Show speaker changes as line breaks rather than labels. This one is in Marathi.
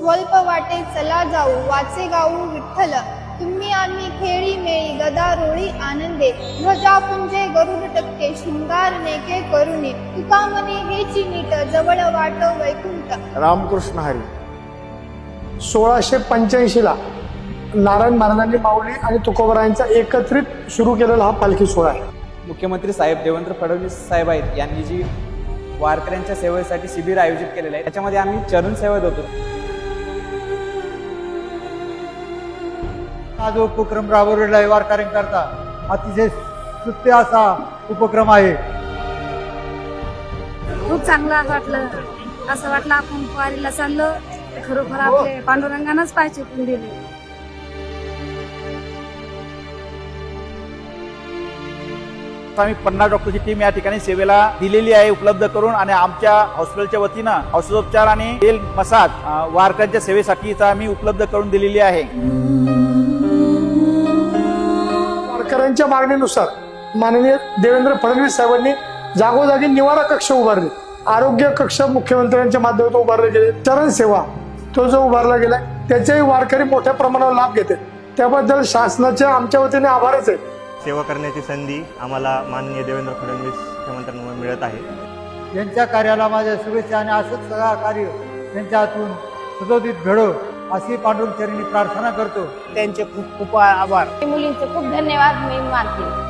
स्वल्प वाटे चला जाऊ वाचे गाऊ विठ्ठल तुम्ही आम्ही खेळी मेळी गदारोळी आनंदे ध्वजा पुंजे गरुड टक्के शृंगार नेके करुणे तुका मने हेची नीट जवळ वाट वैकुंठ.
रामकृष्ण हरी. 1685 ला नारायण महाराजांनी माऊली आणि तुकोबरायांचा एकत्रित सुरू केलेला हा पालखी सोहळा आहे.
मुख्यमंत्री साहेब देवेंद्र फडणवीस साहेब आहेत यांनी जी वारकऱ्यांच्या सेवेसाठी शिबिर आयोजित केलेलं आहे त्याच्यामध्ये आम्ही चरण सेवा देतो.
हा जो उपक्रम राबवलेला आहे वारकऱ्यांकरता अतिशय स्तुत्य असा उपक्रम आहे.
खूप चांगलं वाटलं. असं वाटलं आपण वारीला चाललो खरोखर आपले पांडुरंगानंच पाय चुकून दिले.
आम्ही 50 डॉक्टरची टीम या ठिकाणी सेवेला दिलेली आहे उपलब्ध करून आणि आमच्या हॉस्पिटलच्या वतीनं औषधोपचार आणि तेल मसाज वारकऱ्यांच्या सेवेसाठीचा आम्ही उपलब्ध करून दिलेली आहे.
वारकऱ्यांच्या मागणीनुसार माननीय देवेंद्र फडणवीस साहेबांनी जागोजागी निवारा कक्ष उभारले. आरोग्य कक्ष मुख्यमंत्र्यांच्या माध्यमातून उभारले गेले. चरण सेवा तो जो उभारला गेलाय त्याचेही वारकरी मोठ्या प्रमाणावर लाभ घेते. त्याबद्दल शासनाचे आमच्या वतीने आभारच आहेत.
सेवा करण्याची संधी आम्हाला माननीय देवेंद्र फडणवीस मुख्यमंत्र्यांमुळे मिळत आहे.
यांच्या कार्याला माझ्या शुभेच्छा आणि असंच सगळं कार्य त्यांच्या हातून सुशोभित घडो अशी पांडुरंग चरणी प्रार्थना करतो.
त्यांचे खूप खूप आभार.
मुलींचे खूप धन्यवाद मी मानते.